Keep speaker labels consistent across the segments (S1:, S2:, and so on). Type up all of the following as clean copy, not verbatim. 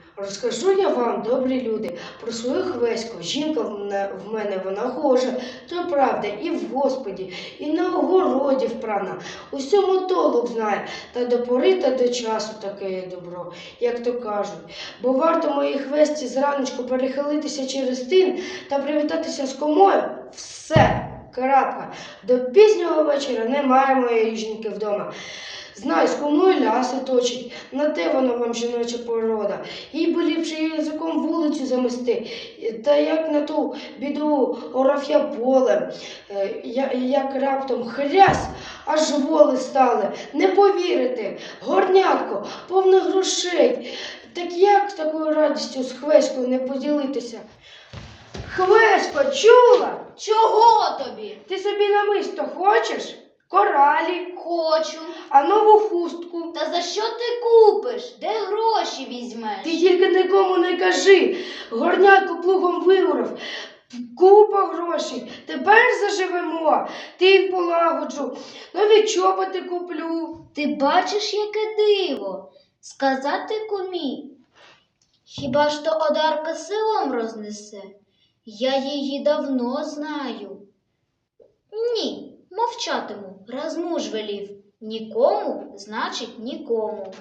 S1: Розкажу я вам, добрі люди, про свою хвеську. Жінка в мене вона гожа, то правда, і в Господі, і на огороді впрана. Усьому толок знає, та до пори та до часу таке є добро, як то кажуть. Бо варто моїй хвесті зраночку перехилитися через тин та привітатися з комою – все, крапка. До пізнього вечора немає моєї жінки вдома. Знай, з комою ляси точить, на те воно вам жіноча порода. Їй би ліпше язиком вулицю замести, та як на ту біду орав я полем, як раптом хрясь, аж воли стали. Не повірите, горнятко, повне грошей. Так як з такою радістю з хвеською не поділитися? Хвесько, чула?
S2: Чого тобі?
S1: Ти собі намисто хочеш? Коралі,
S2: Хочу.
S1: а нову хустку.
S2: Та за що ти купиш? Де гроші візьмеш?
S1: Ти тільки нікому не кажи. Горнятко плугом виорав. Купа грошей. Тепер заживемо. Тин полагоджу. Нові чоботи куплю.
S2: Ти бачиш, яке диво? Сказати кумі. Хіба ж то Одарка селом рознесе? Я її давно знаю. Ні. Мовчатиму, раз муж велів. Нікому, значить нікому.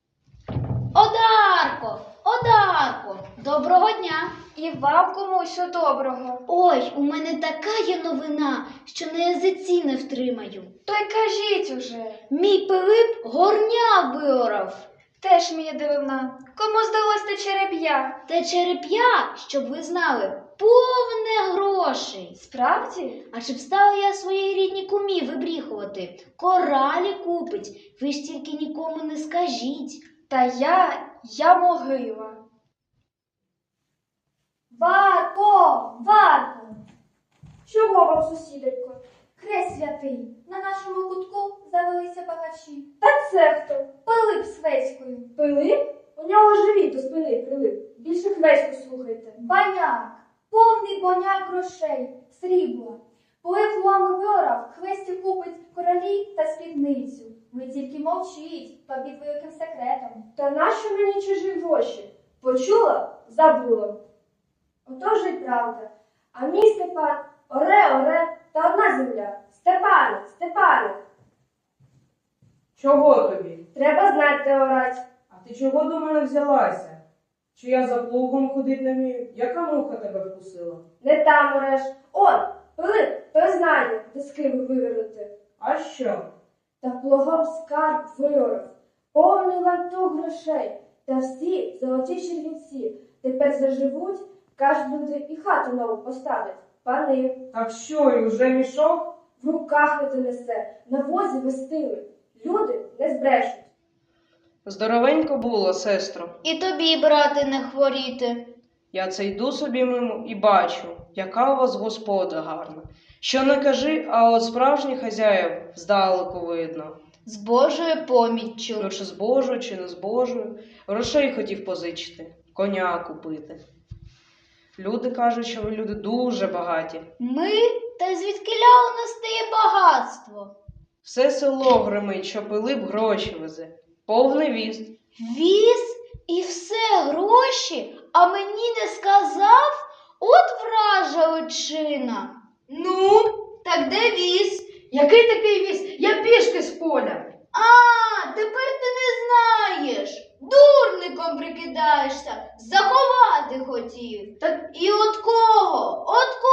S2: Одарко, Одарко, доброго дня.
S3: І вам комусь доброго.
S2: Ой, у мене така є новина, що на язиці не втримаю.
S3: То й кажіть уже.
S2: Мій Пилип горня виорав.
S3: Теж мені дивина. Кому здалось те череп'я?
S2: Те череп'я, щоб ви знали, повне грошей.
S3: Справді?
S2: А чи б стала я своїй рідній кумі вибріхувати? Коралі купить, ви ж тільки нікому не скажіть.
S3: Та я могила.
S4: Варко! Чого вам, сусідонько? Хрест святий, на нашому кутку завелися багачі. Та це хто? Пилип з Хвеською. Пилип? У нього живіт до спини прилип. Більше Хвеську слухайте. Баняк, повний боняк грошей, срібла. Пилип лами виорав, Хвесті купить коралі та спідницю. Ви тільки мовчіть, то під великим секретом. Та нащо мені чужі гроші? Почула? Забула. Отож і правда. А мій Степан оре, та одна земля. Степане.
S5: Чого тобі?
S4: Треба знати, де орать.
S5: А ти чого до мене взялася? Чи я за плугом ходить не вмію? Яка муха тебе вкусила?
S4: Не там ореш. Он, Пилип, той знає, де скибу вивернути.
S5: А що?
S4: Та плугом скарб виорав. Повний лантух грошей. Та всі золоті червінці. Тепер заживуть, кажуть люди, і хату нову поставлять. Пани.
S5: Так що, і вже мішок?
S4: В руках не донесе, на возі вестили. Люди не збрешуть.
S5: Здоровенько було, сестро.
S2: І тобі, брате, не хворіти.
S5: Я це йду собі мимо і бачу, яка у вас господа гарна. Що не кажи, а от справжніх хазяїв здалеку видно.
S2: З Божою поміччю.
S5: Ну, чи з Божою, чи не з Божою. Грошей хотів позичити, коня купити. Люди кажуть, що ви люди дуже багаті.
S2: Ми? Та звідкиля у нас стає багатство?
S5: Все село гримить, що Пилип гроші везе. Повний віз.
S2: Віз і все гроші, а мені не сказав? От вража личина. Ну, так де віз?
S1: Який такий віз? Я пішки з поля.
S2: А, тепер ти не знаєш. Дурником прикидаєшся, заховати хотів. І от кого?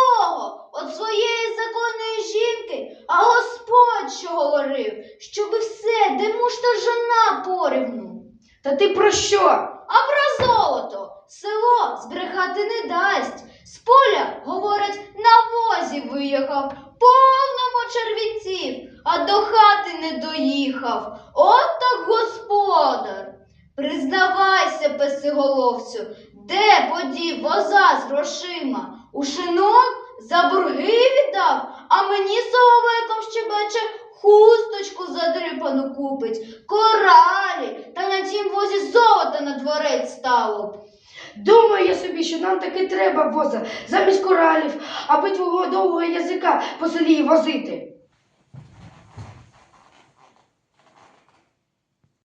S2: От своєї законної жінки, а Господь що говорив, щоби все, де муж та жона порівну.
S1: Та ти про що?
S2: А про золото село збрехати не дасть. З поля, говорять, на возі виїхав, повному червінців, а до хати не доїхав. От так господар. Признавайся, песиголовцю, де подів воза з грошима? У шинок за борги віддав, а мені соловейком щебече хусточку задрипану купить, коралі, та на тім возі золота на дворець стало б.
S1: Думаю я собі, що нам таки треба воза замість коралів, аби твого довгого язика по селі возити.